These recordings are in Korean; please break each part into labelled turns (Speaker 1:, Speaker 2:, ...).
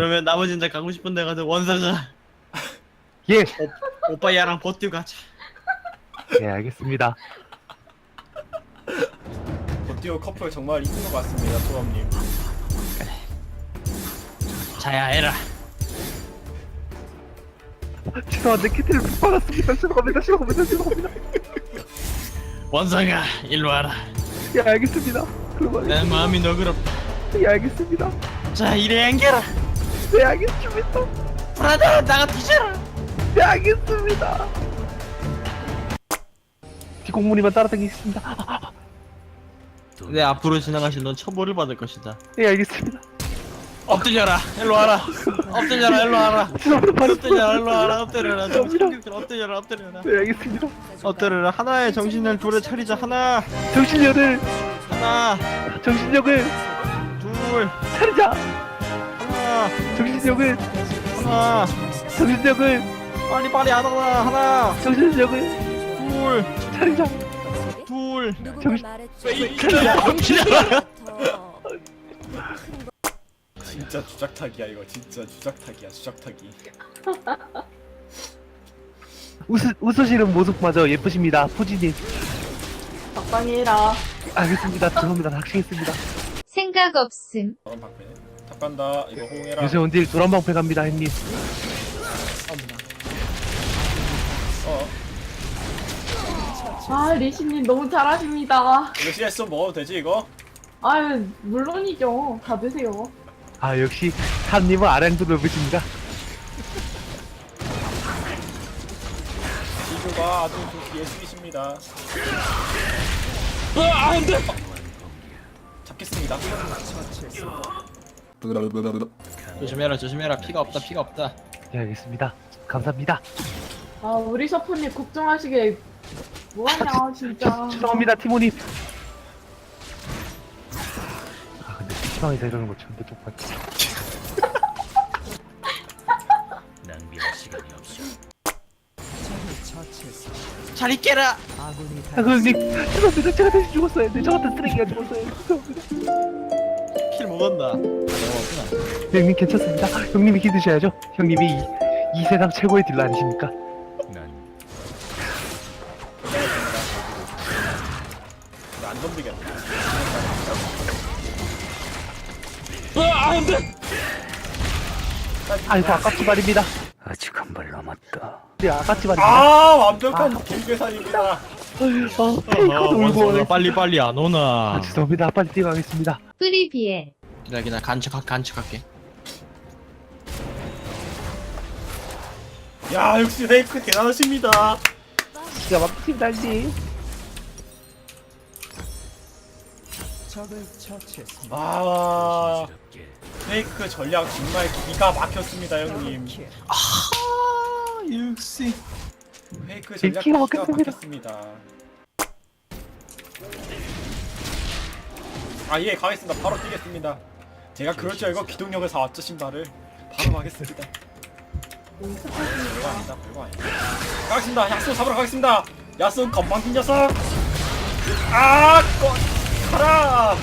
Speaker 1: 그러면 나머지는 다 가고 싶은 데 가서 원사가
Speaker 2: 예.
Speaker 1: 오빠 얘랑 버티고 가자.
Speaker 2: 예, 알겠습니다.
Speaker 3: 버티오 커플 정말 이쁜 것 같습니다, 소감님.
Speaker 1: 자야 해라.
Speaker 2: 죄송한데 키트를 못 받았습니다. 죄송합니다.
Speaker 1: 원사가 일로 와라.
Speaker 2: 예, 알겠습니다. 그럼
Speaker 1: 내 마음이 너그럽다.
Speaker 2: 예, 알겠습니다.
Speaker 1: 자 이래 안겨라.
Speaker 2: 네, 알겠습니다.
Speaker 1: 브라더 나가 뒤져라.
Speaker 2: 네, 알겠습니다. 뒷공무니만 따라다니겠습니다.
Speaker 1: 내 앞으로 지나가신 넌 처벌을 받을 것이다.
Speaker 2: 예, 알겠습니다.
Speaker 1: 엎드려라. 일로 와라. 엎드려라. 일로 와라.
Speaker 2: 죄송합니다.
Speaker 1: 엎드려라. 일로 와라. 엎드려라. 엎드려라. 엎드려라.
Speaker 2: 네, 알겠습니다.
Speaker 1: 엎드려라. 하나의 정신을 둘에 차리자. 하나.
Speaker 2: 정신력을
Speaker 1: 하나.
Speaker 2: 정신력을
Speaker 1: 둘.
Speaker 2: 차리자.
Speaker 1: 하나.
Speaker 2: 정신력을
Speaker 1: 하나.
Speaker 2: 정신력을
Speaker 1: 빨리 안 하나. 하나.
Speaker 2: 정신력을
Speaker 1: 둘.
Speaker 2: 차리자.
Speaker 1: 둘.
Speaker 2: 정신
Speaker 1: 엎드려라.
Speaker 3: 진짜 주작타기야 이거. 진짜 주작타기야, 주작타기.
Speaker 2: 웃으시는 모습마저 예쁘십니다, 푸지님.
Speaker 4: 적당히 해라.
Speaker 2: 알겠습니다. 죄송합니다. 닥치겠습니다.
Speaker 5: 생각 없음.
Speaker 3: 다음 방패. 탑 간다. 이거 호응해라.
Speaker 2: 요새 온딜 노란방패 갑니다, 형님.
Speaker 3: 어.
Speaker 4: 아, 리시님 너무 잘하십니다.
Speaker 3: 이거 CS 먹어도 되지 이거?
Speaker 4: 아유, 물론이죠. 다 드세요.
Speaker 2: 아, 역시 산님은 아량도 넓으십니다.
Speaker 3: 지주가 아주 예술이십니다.
Speaker 1: 안돼.
Speaker 3: 잡겠습니다.
Speaker 1: 조심해라. 피가 없다.
Speaker 2: 네, 알겠습니다. 감사합니다.
Speaker 4: 아, 우리 셔프님 걱정하시게 뭐하냐, 진짜.
Speaker 2: 죄송합니다, 티모님. 아, 근데 PC방에서 이러는 거 처음 똑같아.
Speaker 1: 잘 있게라.
Speaker 2: 아, 형님, 죄송합니다. 제가 대신 죽었어요. 네, 저 같은 쓰레기가 죽었어요. 죄송합니다.
Speaker 1: 킬 먹었나?
Speaker 2: 형님, 괜찮습니다. 형님이 기드셔야죠. 형님이 이 세상 최고의 딜러 아니십니까?
Speaker 3: 안 덤비겠네.
Speaker 1: 안돼.
Speaker 2: 아이고, 아깝지 말입니다.
Speaker 6: 아직 한 발 남았다.
Speaker 2: 네, 아깝지 말입니다.
Speaker 3: 아 완벽한 길계산입니다.
Speaker 2: 페이커도 울고 오네.
Speaker 1: 빨리 안 오나.
Speaker 2: 아, 죄송합니다. 빨리 뛰어가겠습니다.
Speaker 5: 프리비에.
Speaker 1: 기다려 간척할게.
Speaker 3: 야 역시 레이크 대단하십니다.
Speaker 2: 기가 막힙니다, 형님.
Speaker 3: 아 페이크 전략 정말 기가 막혔습니다 형님.
Speaker 1: 역시.
Speaker 3: 페이크 전략
Speaker 2: 기가
Speaker 3: 기가
Speaker 2: 막혔습니다.
Speaker 3: 막혔습니다. 아예 가겠습니다. 바로 뛰겠습니다. 제가 그럴 줄 알고 기동력을 사왔죠 신발을. 바로 가겠습니다. 별거 아니다. 가겠습니다. 야수 잡으러 가겠습니다. 야수 건방진 녀석. 가라.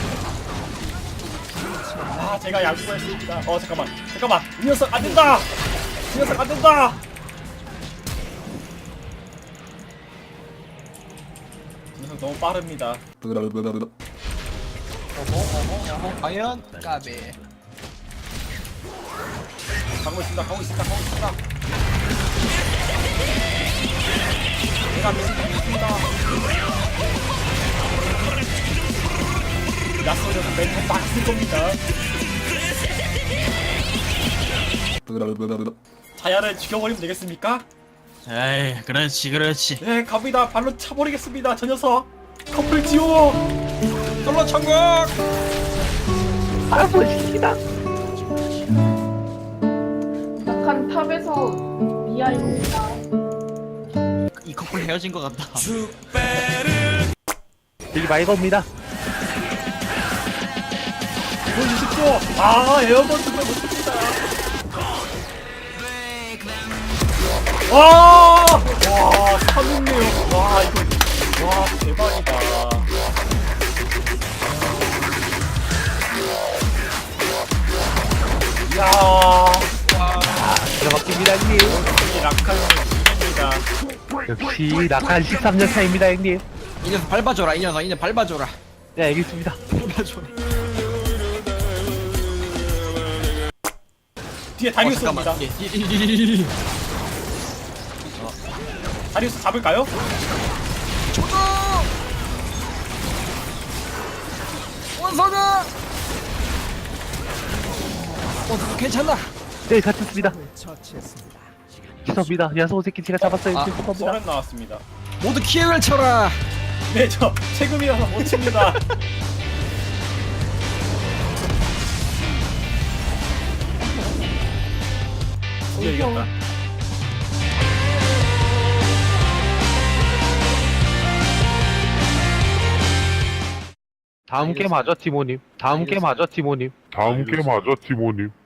Speaker 3: 아 제가 양보했습니다. 잠깐만 이 녀석 안 된다. 이 녀석 너무 빠릅니다.
Speaker 1: 과연 까베.
Speaker 3: 가고 있습니다. 제가 믿습니다. 야쏘려서 멘트 막쓸 겁니다. 자야를 죽여버리면 되겠습니까?
Speaker 1: 에이 그렇지.
Speaker 3: 네 갑니다. 발로 차버리겠습니다. 저 녀석 커플 지워.
Speaker 1: 솔로 천국.
Speaker 2: 아, 멋있습니다.
Speaker 4: 약한 탑에서 미아입니다.
Speaker 1: 이 커플 헤어진 것 같다.
Speaker 2: 여기 많이 겁니다.
Speaker 3: 보여주십시오. 에어버스가 멋집니다. 와, 사는네요. 와, 대박이다. 야.
Speaker 2: 형님.
Speaker 3: 이 라카는 이깁니다.
Speaker 2: 역시 낙한 13년 차입니다 형님.
Speaker 1: 이 녀석 밟아줘라 이 녀석 밟아줘라.
Speaker 2: 네 알겠습니다.
Speaker 1: 밟아줘라.
Speaker 3: 뒤에 다리우스 옵니다. 다리우스 잡을까요?
Speaker 1: 원선아. 괜찮나?
Speaker 2: 네 갇혔습니다. 죄송합니다. 야소 새끼 제가 잡았어요.
Speaker 1: 아,
Speaker 2: 죄송합니다.
Speaker 3: 소렌 나왔습니다.
Speaker 1: 모두 키역을 쳐라.
Speaker 3: 네, 저 세금이라서 못 칩니다. 드디어 이겼다.
Speaker 2: 다음 게임 하죠 티모님. 다음 게임 하죠 티모님.
Speaker 7: 다음 게임 하죠, 티모님.